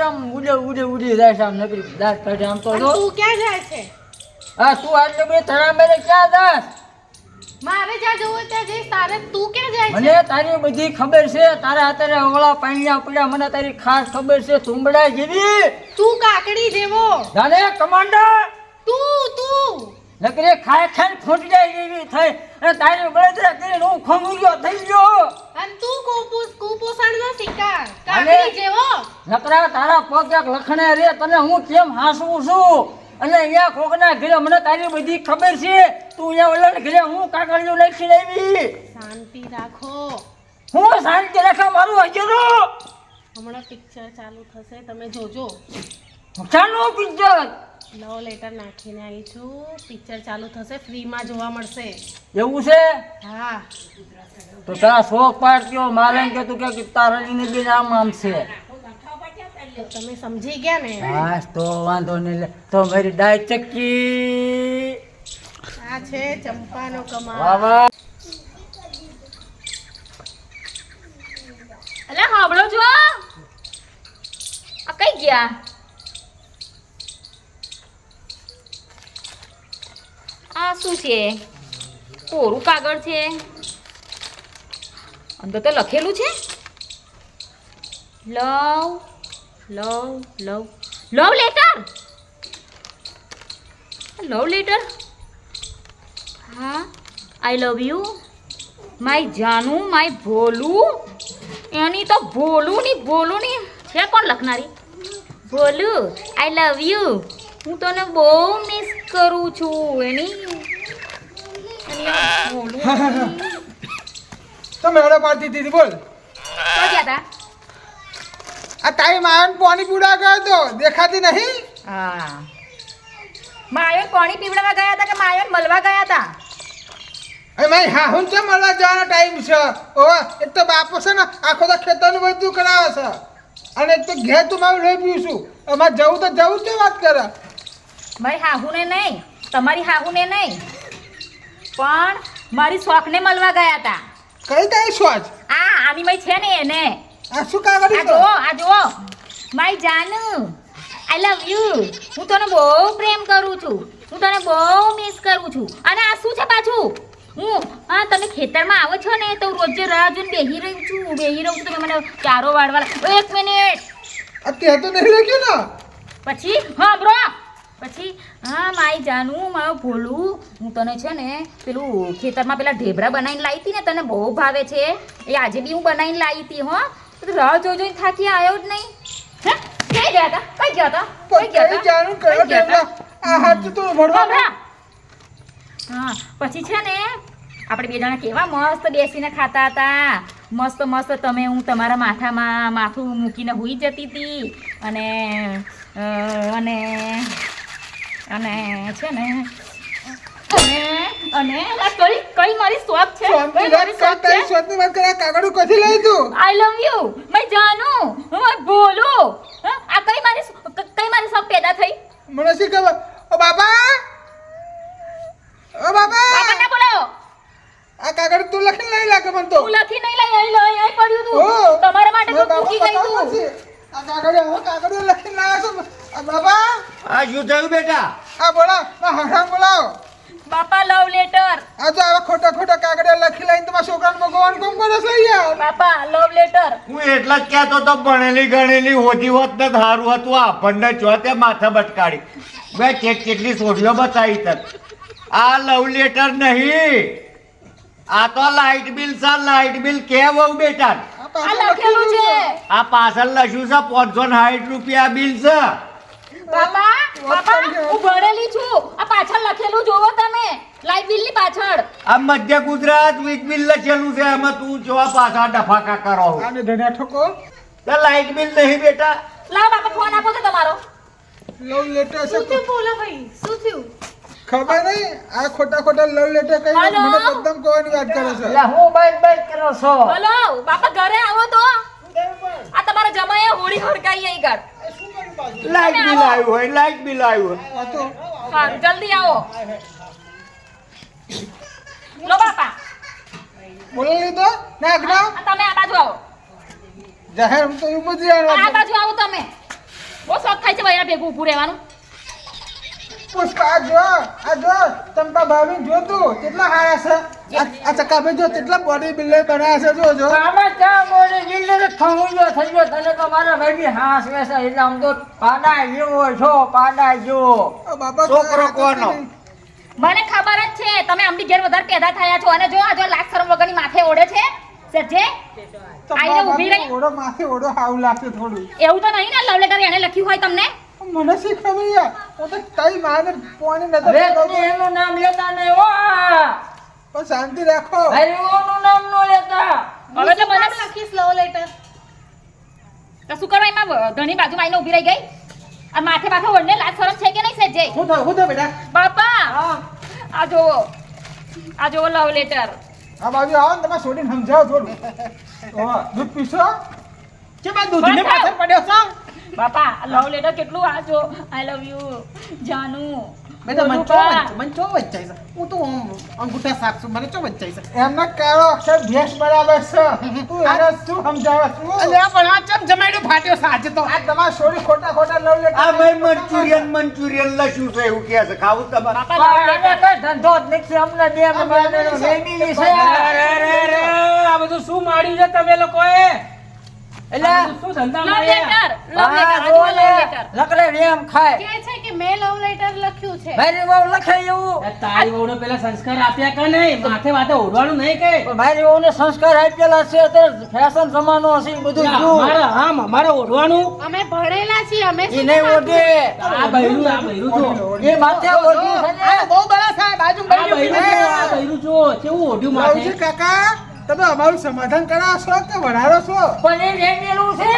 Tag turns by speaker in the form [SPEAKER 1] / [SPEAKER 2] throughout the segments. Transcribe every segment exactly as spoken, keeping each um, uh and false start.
[SPEAKER 1] આમ ઉડે ઉડે ઉડી જાય છે આમ નકરી દાંત કાઢે આમ તો જો
[SPEAKER 2] તું ક્યાં જાય છે?
[SPEAKER 1] હા તું આટલે બે થરા મેરે ક્યાં જાસ?
[SPEAKER 2] મારે જ્યાં જવું હોય ત્યાં જઈશ. તારે તું ક્યાં જાય છે?
[SPEAKER 1] મને તારી બધી ખબર છે. તારા અત્યારે ઓળા પાણીયા પડ્યા મને તારી ખાસ ખબર છે. તુંબડા જેવી
[SPEAKER 2] તું કાકડી જેવો.
[SPEAKER 1] જાને કમાન્ડર
[SPEAKER 2] તું તું
[SPEAKER 1] નકરી ખાય ખાય ફૂટી જેવી થઈ અને તારી બળતરા કરીને હું ખંગુલ્યો થઈ ગયો.
[SPEAKER 2] અને તું કુપોષ કુપોષણનો શિકાર.
[SPEAKER 1] અને-
[SPEAKER 2] કાકડી જેવો.
[SPEAKER 1] નકરા તારા પગ એક લખણે રે તને હું કેમ હાસવું છું અને અહીંયા કોકના ઘરે મને તારી બધી ખબર છે. તું અહીંયા ઓલાને ઘરે હું કાકડીઓ નાખી લાવી.
[SPEAKER 2] શાંતિ રાખો.
[SPEAKER 1] હું શાંતિ રાખા મારું હજરો
[SPEAKER 2] હમણાં પિક્ચર ચાલુ થશે, તમે જોજો.
[SPEAKER 1] ચાલો પિક્ચર
[SPEAKER 2] લવ લેટર નાખીને આવી છું. પિક્ચર ચાલુ થશે, ફ્રીમાં જોવા મળશે.
[SPEAKER 1] એવું છે
[SPEAKER 2] હા.
[SPEAKER 1] તો તારા શોખ પાડ્યો મારે એમ કે તું કે તારાજીને બી આમ આમ છે.
[SPEAKER 2] તો તમે સમજી ગયા ને?
[SPEAKER 1] હા તો વાંધો નહીં લે. તો મારી ડાય ચક્કી
[SPEAKER 2] આ છે ચંપાનો કમાલ.
[SPEAKER 1] વાહ વાહ.
[SPEAKER 3] અલા હાંભળો છો? આ કઈ ગયા? આ શું છે? કોરું કાગળ છે, અંદર તો લખેલું છે લવ લવ લવ લવ લેટર. Love letter. હા, આઈ લવ યુ માય જાનુ માય ભોલું. એની તો ભોલું ની ભોલું ની છે. કોણ લખનારી? ભોલું આઈ લવ યુ. હું તને બહુ મિસ કરું છું. એની એની આ ભોલું.
[SPEAKER 4] તમે હળો પાડતી હતી બોલ.
[SPEAKER 3] તો ગયા તા?
[SPEAKER 4] આ તારી માયન પાણી પીવડા ગયો તો દેખાતી નહીં.
[SPEAKER 3] હા, માયોન પાણી પીવડાવવા ગયા હતા કે માયોન મળવા ગયા હતા?
[SPEAKER 4] અરે મારી હા હું છે મળવા જવાનો ટાઈમ છે. ઓવા એક તો બાપો છે ને આખો તો ખેતરનું બધું કરાવે છે અને એક તો ઘેર તું મારું લઈ પીવું છું. અમારે જવું તો જવું જ વાત કરે.
[SPEAKER 3] મારી હાહુને નહીં, તમારી હાહુને નહીં, પણ મારી શોખને મળવા ગયા હતા.
[SPEAKER 4] કઈ કઈ સોચ
[SPEAKER 3] આ આની મય છે ને એને.
[SPEAKER 4] આ શું કાગળ
[SPEAKER 3] આ જુઓ, આ જુઓ. માય જાનુ આઈ લવ યુ. હું તને બહુ પ્રેમ કરું છું. હું તને બહુ મિસ કરું છું. અને આ શું છે પાછું? હું હા તમે ખેતરમાં આવો છો ને તો રોજે રાહ જોઈને બેહી રહી છું બેહી રહું છું. તમે મને ચારો વાળવા. એક મિનિટ.
[SPEAKER 4] અત્યારે તો નહીં લખ્યું ને.
[SPEAKER 3] પછી હા બ્રો પછી હા માય જાનુ મારું ભોલું. હું તને છે ને પેલું ખેતરમાં પેલા ઢેબરા બનાવીને લાવી હતી ને, તને બહુ ભાવે છે. એ આજે બી હું બનાવીને લાવી હતી. હો તો રાહ જોઈ જોઈને થાકી આવ્યો જ નહીં. હે કઈ ગયા હતા? કઈ ગયા હતા? કઈ ગયા
[SPEAKER 4] કઈ
[SPEAKER 3] હતા?
[SPEAKER 4] જાણું કયો
[SPEAKER 3] કઈ ગયા હતા?
[SPEAKER 4] ટેબલા આ હાથ તો ભરવા.
[SPEAKER 3] હા પછી છે ને આપણે બે જણા કેવા મસ્ત બેસીને ખાતા હતા. મસ્ત મસ્ત તમે હું તમારા માથામાં માથું મૂકીને હુઈ જતી હતી અને અ, અને અને છે ને અને અને આ કઈ કઈ મારી શોખ છે?
[SPEAKER 4] શાંતિ
[SPEAKER 3] કઈ મારી
[SPEAKER 4] રાખ.
[SPEAKER 3] શોખ છે?
[SPEAKER 4] તારી શોધની વાત કરે. આ કાગળ કથી લઈ તું?
[SPEAKER 3] આઈ લવ યુ મેં જાનું હું બોલું. હા, આ કઈ મારી ક- કઈ મારી શોખ પેદા થઈ?
[SPEAKER 4] મને શી ખબર. ઓ બાબા ઓ બાબા
[SPEAKER 3] બાપા ના બોલાવો.
[SPEAKER 4] આ કાગળ તું લખીને લઈ લાગે મને તો.
[SPEAKER 3] હું લખી નહીં લઈ અહીં લઈ અહીં પડ્યું
[SPEAKER 4] ઓ,
[SPEAKER 3] તું. તમારા માટે
[SPEAKER 4] મારા
[SPEAKER 3] તો મૂકી ગઈ
[SPEAKER 4] બાપા
[SPEAKER 3] તું.
[SPEAKER 4] છે. આ કાગળ હવે કાગળ લખીને લાવ્યા છો. આ બાબા
[SPEAKER 1] આ શું થયું બેટા?
[SPEAKER 4] આ બોલા આ હરામ બોલાવો.
[SPEAKER 3] બાપા લવ લેટર.
[SPEAKER 4] આ તો આવા ખોટા ખોટા કાગળ લખી લઈને તમારા છોકરાને ભગવાન કોમ કરે છે યાર.
[SPEAKER 3] બાપા લવ લેટર.
[SPEAKER 5] હું એટલા જ કહેતો તો ભણેલી ગણેલી હોતી હોત ને સારું હતું. આપણને ચોથે માથા બટકાડી મેં ચેક ચેકલી સોડીઓ બતાવી તક. આ લવ લેટર નહીં, આ તો લાઇટ બિલ છે. લાઇટ બિલ કે બહુ બેટા.
[SPEAKER 4] આ
[SPEAKER 3] આ
[SPEAKER 4] પાછળ
[SPEAKER 3] લખેલું છે.
[SPEAKER 5] આ પાછળ લખ્યું છે પાંચસો સાઠ રૂપિયા બિલ છે.
[SPEAKER 3] બાપા બાપા હું ભણેલી છું. આ પાછળ લખેલું જોવો તમે. લાઈટ બિલ ની પાછળ.
[SPEAKER 5] આ મધ્ય ગુજરાત વીજ બિલ લખેલું છે. એમાં તું જો પાછા ડફાકા કરો.
[SPEAKER 4] આને ધન્યા ઠોકો.
[SPEAKER 5] તો લાઇટ બિલ નહીં બેટા.
[SPEAKER 3] લાવ બાપા ફોન આપો તો તમારો.
[SPEAKER 4] લવ લેટર છે.
[SPEAKER 2] શું થયું બોલો ભાઈ? શું થયું?
[SPEAKER 4] ખબર નહીં આ ખોટા ખોટા લવ લેટર કઈ
[SPEAKER 3] હલો?
[SPEAKER 4] મને એકદમ કોવાની વાત કરે છે.
[SPEAKER 1] એટલે હું બાઈક બાઈક કરો છો?
[SPEAKER 3] બોલો બાપા ઘરે આવો તો. આ તમારા જમાએ હોળી હળગાઈ અહીં ઘર.
[SPEAKER 5] લાઇટ બિલ આવ્યું હોય, લાઇટ બિલ આવ્યું હોય.
[SPEAKER 4] આ તો
[SPEAKER 3] હા જલ્દી આવો. લો બાપા
[SPEAKER 4] બોલી લીધો નાખ ના
[SPEAKER 3] આ તમે આ બાજુ આવો.
[SPEAKER 4] જાહેર તો એવું બધી
[SPEAKER 3] આ
[SPEAKER 4] આ
[SPEAKER 3] બાજુ આવો તમે. બહુ શોખ થાય છે બૈરા ભેગું ઊભું રહેવાનું.
[SPEAKER 4] પુષ્પા આ જો આ જો ચંપા ભાભી જો તું કેટલા હારા છે આ- આ ચકાભાઈ જો કેટલા બોડી બિલ્ડર બનાવ્યા છે જો જો
[SPEAKER 1] આમાં ક્યાં બોલે બિલ્ડર ખમુજો થઈ ગયો તને તો મારા ભાઈ હાસ વેસે એટલે આમ તો પાડા જેવો છો પાડા જેવો
[SPEAKER 4] ઓ બાબા
[SPEAKER 5] છોકરો કોનો?
[SPEAKER 3] મને ખબર જ છે તમે આમની ઘેર વધારે પેદા થયા છો અને જો આ જો લાખ શરમ વગરની માથે ઓઢે છે સજ્જે આઈને ઊભી રહી.
[SPEAKER 4] ઓડો માથે ઓડો હાવ લાગશે થોડું
[SPEAKER 3] એવું તો નહીં ને લવ લેટર એને લખ્યું હોય તમને.
[SPEAKER 4] મને શી ખબર યાર હું તો કઈ માને પોણી નતો
[SPEAKER 1] હવે તમે એનું નામ લેતા નહીં હો
[SPEAKER 4] પણ શાંતિ રાખો
[SPEAKER 1] હરિઓનું નામ નો લેતા
[SPEAKER 3] હવે તો મને
[SPEAKER 2] નામ લખીશ લવ લેટર.
[SPEAKER 3] તો શું કરવા એમાં ધણી બાજુમાં આઈને ઊભી રહી ગઈ આ માથે માથે ઓઢને લાજ શરમ છે કે નહીં સજ્જે?
[SPEAKER 4] હું તો હું તો બેટા
[SPEAKER 3] બાપા આ જો આ જો લવ લેટર.
[SPEAKER 4] આ બાજુ આવો ને તમે છોડીને સમજાવો થોડું ઓ દૂધ પીશો કે બા દૂધને પાછળ પડ્યો છો
[SPEAKER 3] બાપા લવ લેટર કેટલું આ જો આઈ લવ યુ જાનુ
[SPEAKER 6] બેટા મને
[SPEAKER 3] બોલું
[SPEAKER 6] ચો
[SPEAKER 3] બા.
[SPEAKER 6] વચ- મને ચો વચ્ચાઈ છે હું તો આમ અંગૂઠા સાફ છું મને ચો વચ્ચાઈ છે
[SPEAKER 4] એમના કાળો અક્ષર ભેસ બરાબર છે તું એને શું સમજાવે છું
[SPEAKER 6] અલ્યા પણ આ ચમ જમાડ્યો ફાટ્યો છે આજે તો
[SPEAKER 4] આ તમારી છોડી ખોટા ખોટા લવ લેટર
[SPEAKER 5] આ ભાઈ મંચુરિયન મંચુરિયન લખ્યું છે એવું કહે છે ખાવું તમારે
[SPEAKER 3] બાપા લવ
[SPEAKER 1] પણ
[SPEAKER 3] લેટર.
[SPEAKER 1] આને કઈ ધંધો જ નથી અમને બે મહિનાનો ફેમિલી છે
[SPEAKER 7] આ બધું શું માડ્યું છે તમે લોકોએ
[SPEAKER 1] એટલે
[SPEAKER 7] આ બધું શું ધંધા
[SPEAKER 3] લવ
[SPEAKER 7] માર્યા?
[SPEAKER 3] લેટર લવ લેટર આ જો લવ લેટર.
[SPEAKER 1] લકડે રેમ ખાય
[SPEAKER 2] કે છે કે મેં લવ લેટર લખ્યું છે.
[SPEAKER 1] મારી વહુ લખે એવું
[SPEAKER 7] આ તારી વહુને પેલા સંસ્કાર આપ્યા કે નહીં માથે વાતે ઓઢવાનું નહીં કે
[SPEAKER 1] પણ મારી વહુને સંસ્કાર આપેલા છે અત્યારે ફેશન જમાનો હશે ઈ બધું જો
[SPEAKER 7] અમારે આમ અમારે ઓઢવાનું
[SPEAKER 2] અમે ભણેલા છીએ અમે
[SPEAKER 1] ઈ
[SPEAKER 2] શું
[SPEAKER 1] નહીં
[SPEAKER 2] કામ
[SPEAKER 1] ઓઢે
[SPEAKER 7] આ બૈરું આ બૈરું જો
[SPEAKER 1] એ માથે ઓઢી છે ને
[SPEAKER 6] આ બહુ બળા સાહેબ બાજુ
[SPEAKER 7] આ બૈરું જો આ બૈરું જો કેવું ઓઢ્યું
[SPEAKER 4] લવજી
[SPEAKER 7] માથે
[SPEAKER 4] કાકા તમે અમારું સમાધાન કરાવશો કે વઢારો છો
[SPEAKER 1] પણ એ રેમેલું છે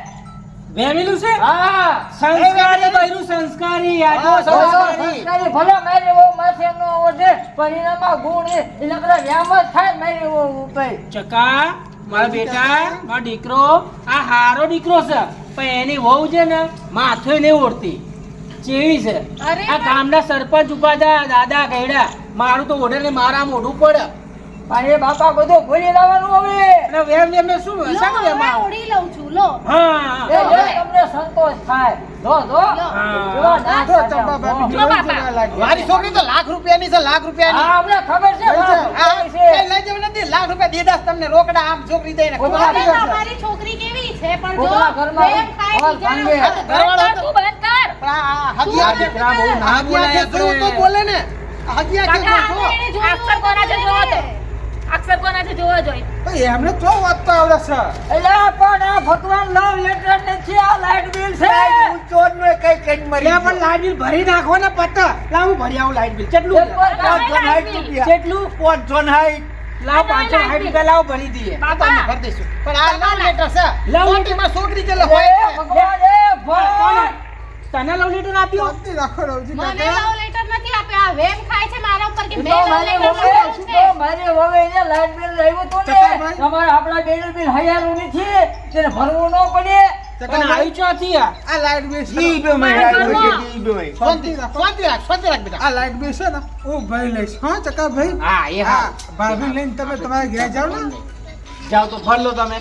[SPEAKER 7] વેમેલું છે
[SPEAKER 1] હા
[SPEAKER 7] સંસ્કારી બૈરું સંસ્કારી આ જો સંસ્કારી
[SPEAKER 1] સંસ્કારી ભલે મારી વહુ માથે ન ઓઢે પણ એનામાં ગુણ એ એટલે બધા વ્યામ જ થાય મારી વહુ ઉપર
[SPEAKER 7] ચકા મારા બેટા મારો દીકરો આ હારો દીકરો છે પણ એની વહુ છે ને માથે નહીં ઓઢતી ચેવી છે
[SPEAKER 2] અરે
[SPEAKER 7] આ ગામના સરપંચ ઉભા હતા દાદા કહેડા મારું તો ઓઢે ને મારા મોઢું પડે
[SPEAKER 1] પણ એ બાપા બધું ભૂલી લાવવાનું હવે
[SPEAKER 7] અને વેમ વેમ ને શું
[SPEAKER 2] લો
[SPEAKER 7] શાનું
[SPEAKER 2] હવે
[SPEAKER 7] વેમ આવું?
[SPEAKER 2] ઓળી લઉં છું લો
[SPEAKER 7] હા
[SPEAKER 1] એ જો તમને સંતોષ થાય જો જો
[SPEAKER 7] હા.
[SPEAKER 1] જો ના
[SPEAKER 4] જો ચંપા ભાભી
[SPEAKER 3] જો
[SPEAKER 4] જોઈ
[SPEAKER 3] બાપા.
[SPEAKER 4] જેવા લાગે.
[SPEAKER 6] મારી છોકરી તો લાખ રૂપિયાની છે લાખ રૂપિયાની
[SPEAKER 1] હા અમને ખબર છે
[SPEAKER 4] કઈ છે?
[SPEAKER 6] આ
[SPEAKER 1] બાપ
[SPEAKER 6] કઈ
[SPEAKER 1] છે
[SPEAKER 6] લઈ જવું નથી લાખ રૂપિયા દીધા છે તમને રોકડા આમ છોકરી દઈને
[SPEAKER 1] કોઈ
[SPEAKER 6] ખવડાવી.
[SPEAKER 1] વાત
[SPEAKER 2] હવે તમારી છોકરી કેવી છે પણ જો
[SPEAKER 1] કોકના ઘરમાં
[SPEAKER 2] પ્રેમ ખાય
[SPEAKER 1] હોલ
[SPEAKER 2] બીજાના
[SPEAKER 1] ભાંગે.
[SPEAKER 2] ઉપર.
[SPEAKER 3] બંધ કર તું બંધ કર.
[SPEAKER 6] પણ આ હગિયા
[SPEAKER 2] તું
[SPEAKER 6] દીકરા બહુ ના
[SPEAKER 2] આ
[SPEAKER 6] બોલાય તો તો બોલે ને આ હગિયા કે
[SPEAKER 3] કાકા,
[SPEAKER 6] જો
[SPEAKER 2] એને જોયું
[SPEAKER 3] અક્ષર કોના છે જોવો તો અક્ષર કોના છે જોવો જોઈએ.
[SPEAKER 4] ભાઈ એમને તો વાંચતો આવડે છે
[SPEAKER 1] એટલે પણ આ ભગવાન લવ લેટર નથી આ લાઈટ બિલ છે
[SPEAKER 5] ચોરનો કઈ કઈ મરી
[SPEAKER 7] લે પણ લાઈટ બિલ ભરી નાખો ને પત્તા લાવ હું ભરી આવું લાઈટ બિલ કેટલું
[SPEAKER 1] એક વાર
[SPEAKER 5] પાંચસો સાઠ રૂપિયા
[SPEAKER 7] કેટલું
[SPEAKER 5] પાંચસો સાઠ
[SPEAKER 7] લાવ પાંચસો સાઠ રૂપિયા લાવ ભરી દઈએ
[SPEAKER 6] બાપા ભર દઈશું પણ આ લવ લેટર છે
[SPEAKER 7] લવ લેટર.
[SPEAKER 6] છોકરીમાં છોકરી જેટલો
[SPEAKER 1] એ
[SPEAKER 6] હોય
[SPEAKER 1] ભગવાન એ ભગવાન
[SPEAKER 7] તને લવ લેટર આપ્યો
[SPEAKER 4] શાંતિ રાખો રવજી
[SPEAKER 2] મને
[SPEAKER 4] કાકા
[SPEAKER 2] લવ લેટર નથી આપ્યા આ વેમ ખાય છે મારા ઉપર કે
[SPEAKER 1] ઈ
[SPEAKER 2] મેં
[SPEAKER 1] તો
[SPEAKER 2] લવ
[SPEAKER 1] મારી
[SPEAKER 2] લેટર
[SPEAKER 1] વહુએ-
[SPEAKER 2] લખ્યું
[SPEAKER 1] ઈ
[SPEAKER 2] છે.
[SPEAKER 1] તો મારી વહુએ એને લાઈટ બિલ લાવ્યું હતું ને
[SPEAKER 4] ચકાભાઈ.
[SPEAKER 1] તમારે આપણા બિલ બિલ હૈયારું નથી તેને ભરવું ન પડે
[SPEAKER 7] પણ આવી ચોથી આ
[SPEAKER 4] આ લાઈટ બિલ છે
[SPEAKER 5] ઈ બે મહિના હોય છે, ઈ બે મહિના.
[SPEAKER 6] શાંતિ રાખ શાંતિ રાખ શાંતિ રાખ બેટા
[SPEAKER 4] આ લાઈટ બિલ છે ને હું ભાઈ લઈશ હા ચકા ભાઈ
[SPEAKER 7] હા એ
[SPEAKER 4] હા
[SPEAKER 7] હા
[SPEAKER 4] ભાભી લઈને તમે તમારા ઘેર જાઓ ને
[SPEAKER 7] જાઓ તો ભર લો તમે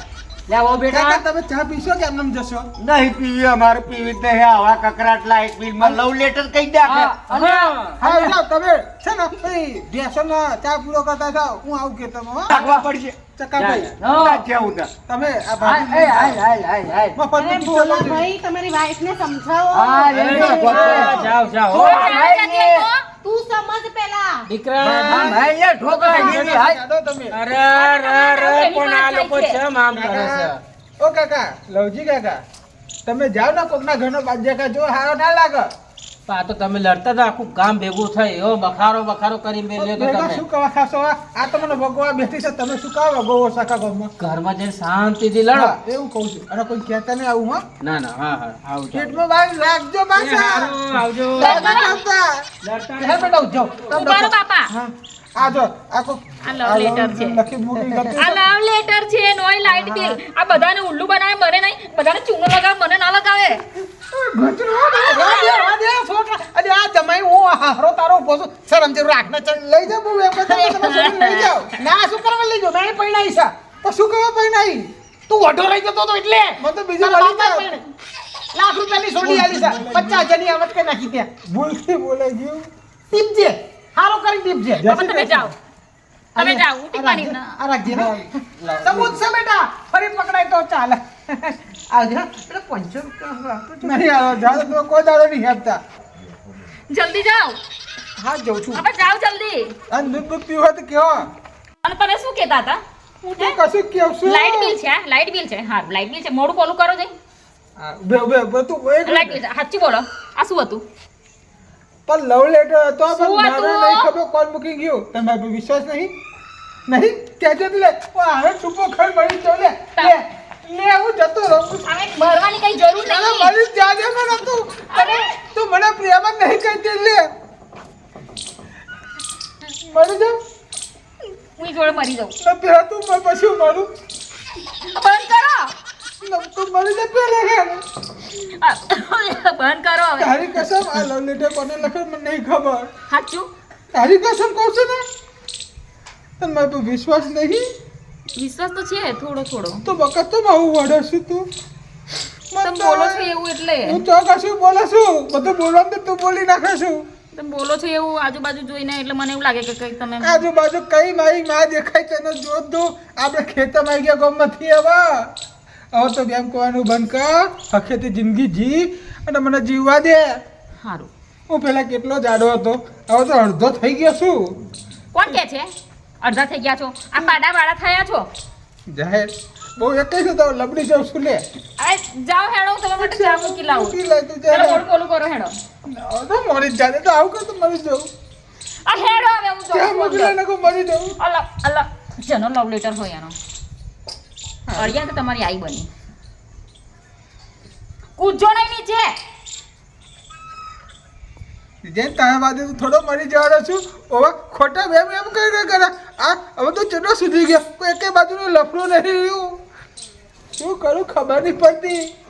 [SPEAKER 7] લે આવો બેટા
[SPEAKER 4] કાકા તમે ચા પીશો કે એમને જશો
[SPEAKER 5] નહીં પીવી અમારે પીવી જ નહીં આવા કકરાટ લાઈટ બિલમાં લવ લેટર કઈ નાખે
[SPEAKER 1] હા, અને
[SPEAKER 7] હા
[SPEAKER 4] હા જાઓ તમે છે ને ભાઈ બેસો ચા પૂરો કરતા જાઓ હું આવું કે તમે હો.
[SPEAKER 5] નાખવા પડશે
[SPEAKER 4] ચકા ભાઈ
[SPEAKER 1] હા.
[SPEAKER 5] ના જેવું ના.
[SPEAKER 4] તમે આ
[SPEAKER 1] હાય,
[SPEAKER 4] ભાભી
[SPEAKER 1] હાય, હાય, હાય, હાય, હાય.
[SPEAKER 4] મફતનું
[SPEAKER 2] અરે
[SPEAKER 4] પિક્ચર
[SPEAKER 2] ભોલા
[SPEAKER 4] લઈ જજો.
[SPEAKER 2] ભાઈ તમારી વાઈફ ને સમજાવો
[SPEAKER 1] હા,
[SPEAKER 7] અરે,
[SPEAKER 1] એ તો
[SPEAKER 7] હા, જાઓ જાઓ
[SPEAKER 1] જો,
[SPEAKER 3] ચાલ
[SPEAKER 1] ભાઈ
[SPEAKER 3] જતી હોય તો.
[SPEAKER 2] તું સમજ પેલા
[SPEAKER 7] દીકરા
[SPEAKER 1] ભાઈ ને ઠોકરા જેવી હાય.
[SPEAKER 4] જાડો તમે
[SPEAKER 7] અરે અરે અરે પણ આ લોકો ચમ આમ કરે છે
[SPEAKER 4] કાકા ઓ કાકા લવજી કાકા તમે જાઓ ને કોકના ઘરનો બાજ્યા જો હારો ના લાગે
[SPEAKER 7] આ તો તમે લડતા હતા આખું ગામ ભેગું થઈ એવો બખારો બખારો કરી મેલ્યો તો
[SPEAKER 4] ભેગા
[SPEAKER 7] તમે
[SPEAKER 4] શું કવા ખાશો આ આ તમને ભગવા બેઠી છે તમે શું કાવા ગોવો સાકા ગામમાં
[SPEAKER 7] ઘરમાં જઈને શાંતિથી લડો
[SPEAKER 4] હા, એવું કહું છું અને કોઈ કહેતા નહીં આવું હા
[SPEAKER 7] ના ના હા હા આવજો
[SPEAKER 4] પેટમાં બાર રાખજો
[SPEAKER 7] એ
[SPEAKER 4] પાછા
[SPEAKER 7] હારું, આવજો
[SPEAKER 4] લડતા નહોતા.
[SPEAKER 7] લડતા
[SPEAKER 4] હે બેટા ઉઠો
[SPEAKER 3] ઉભા રહો બાપા.
[SPEAKER 4] હા આ જો આ કો
[SPEAKER 3] આ love letter છે.
[SPEAKER 4] લખી મૂકી લખી
[SPEAKER 3] આ લવ લેટર છે નોય લાઈટ બિલ આ બધાને ઉલ્લુ બનાવે મને નહીં બધાને ચૂનો લગાવે મને ના લગાવે
[SPEAKER 6] રાધે રાધે છોકરા અરે આ જમાઈ હું હારો તારો ઉભો છું શરમ જરૂર રાખ ને ચલ
[SPEAKER 4] લઈ જાઓ બહુ એમ કરતા તમે છોકરીને લઈ જાઓ
[SPEAKER 6] ના શું કરવા લઈ જો મેં પૈણાઈ છે
[SPEAKER 4] તો શું કરવા પૈ નહીં
[SPEAKER 6] તું ઓઢો રહી જતો તો એટલે
[SPEAKER 4] મને તો બીજું
[SPEAKER 6] તારા
[SPEAKER 4] મળી
[SPEAKER 6] બાપા
[SPEAKER 4] જાય
[SPEAKER 6] પૈણે. લાખ રૂપિયાની સોડી આલી છે પચાસ હજારની આવત કે નાખી ત્યાં
[SPEAKER 4] ભૂલથી બોલાઈ ગયું
[SPEAKER 6] ટીપજે હારો કરી ટીપજે
[SPEAKER 3] હવે તમે જાઓ તમે જાઓ હું ટીપવાની ના
[SPEAKER 6] આ રાખજે ને સબૂત છે બેટા ફરી પકડાય તો ચાલે આવજે હા એટલે પાંચસો રૂપિયા આપો છો.
[SPEAKER 4] નહીં આવો જાઓ તો કોઈ દાડો નહીં આપતા
[SPEAKER 3] જલ્દી જાઓ
[SPEAKER 6] હા જઉં છું
[SPEAKER 3] હવે જાઓ જલ્દી
[SPEAKER 4] અને દૂધ દૂધ પીવો તો કેવો
[SPEAKER 3] અને તમે શું કહેતા હતા
[SPEAKER 4] હું તો કશું કેવું છું
[SPEAKER 3] લાઇટ બિલ છે લાઇટ બિલ છે હા લાઇટ બિલ છે મોડું કોલું કરો જઈ
[SPEAKER 4] હા, ઉભે ઉભે ઉભે તું એક
[SPEAKER 3] લાઇટ બિલ સાચી બોલો આ શું હતું
[SPEAKER 4] પણ લવ લેટર હતો પણ
[SPEAKER 3] શું
[SPEAKER 4] મારે
[SPEAKER 3] હતું?
[SPEAKER 4] નહીં ખબર કોણ મૂકી ગયું તમે પર વિશ્વાસ નહીં નહીં કહેજે તો લે ઓ હવે ચૂપો ખર મળી તો લે લે લે હું જતો રહું
[SPEAKER 3] હવે ભરવાની કઈ જરૂર
[SPEAKER 4] ચાલો
[SPEAKER 3] નહીં
[SPEAKER 4] મળી જ જાજે મને તું
[SPEAKER 3] અરે
[SPEAKER 4] તું મને પ્રેમ જ નહીં કહેતી લે મળી જાઉં
[SPEAKER 3] હું જોડે મરી જાઉં
[SPEAKER 4] ને પેલા તું મર પછી હું મરું
[SPEAKER 3] બંધ કરો
[SPEAKER 4] ને તું મરી જા પેલા ઘેર
[SPEAKER 3] આ, બંધ કરો હવે
[SPEAKER 4] તારી કસમ આ લવ લેટર કોને લખે મને નહીં ખબર
[SPEAKER 3] સાચું
[SPEAKER 4] તારી કસમ કહું છું ને તને મારા પર વિશ્વાસ નહીં
[SPEAKER 3] વિશ્વાસ તો છે થોડો થોડો
[SPEAKER 4] તો વખત તો આવું વડે છું તું
[SPEAKER 3] તમે બોલો છો એવું એટલે
[SPEAKER 4] હું તો કશું બોલે છું બધું બોલવાનું તો તું બોલી નાખે છું
[SPEAKER 3] તમે બોલો છો એવું આજુબાજુ જોઈને એટલે મને એવું લાગે કે કંઈક તમે
[SPEAKER 4] આજુબાજુ કઈ મારી માં દેખાય તેને જોત દઉં આપણે ખેતરમાં આવી ગયા ગામમાંથી હવે હવે તો બેમ કહેવાનું બંધ કર હખેથી જિંદગી જી અને મને જીવવા દે
[SPEAKER 3] સારું
[SPEAKER 4] હું પેલા કેટલો જાડો હતો હવે તો અડધો થઈ ગયો છું
[SPEAKER 3] કોણ કે છે અડધા થઈ ગયા છો આ પાડા વાળા થયા છો
[SPEAKER 4] જાહેર બહુ એક જ તો લબડી જાઉં છું લે
[SPEAKER 3] અરે જાઓ હેડો હું તમારા માટે ચા મૂકી લાવું
[SPEAKER 4] મૂકી લાય તું
[SPEAKER 3] ચાલો
[SPEAKER 4] જા.
[SPEAKER 3] મોડું કોલું કરો હેડો
[SPEAKER 4] હવે તો મરી જ જાજે તો આવું કર તો મરી જાઉં
[SPEAKER 3] આ હેડો હવે હું
[SPEAKER 4] ત્યાં મૂકી
[SPEAKER 3] જાઉં
[SPEAKER 4] લઈને કહું મરી જાઉં
[SPEAKER 3] અલા અલા જેનો લવ લેટર હોય એનો અડિયા તો તમારી આઈ બની કૂદજો નહીં નીચે
[SPEAKER 4] જેમ તારા બાજુ થોડો મરી જવાનો છું હવે ખોટા વેમ એમ કરી કરે આ હવે તો ચેટલો સુધી ગયો કોઈ એકે બાજુનું લફડું નહીં રહ્યું શું કરું ખબર નહીં પડતી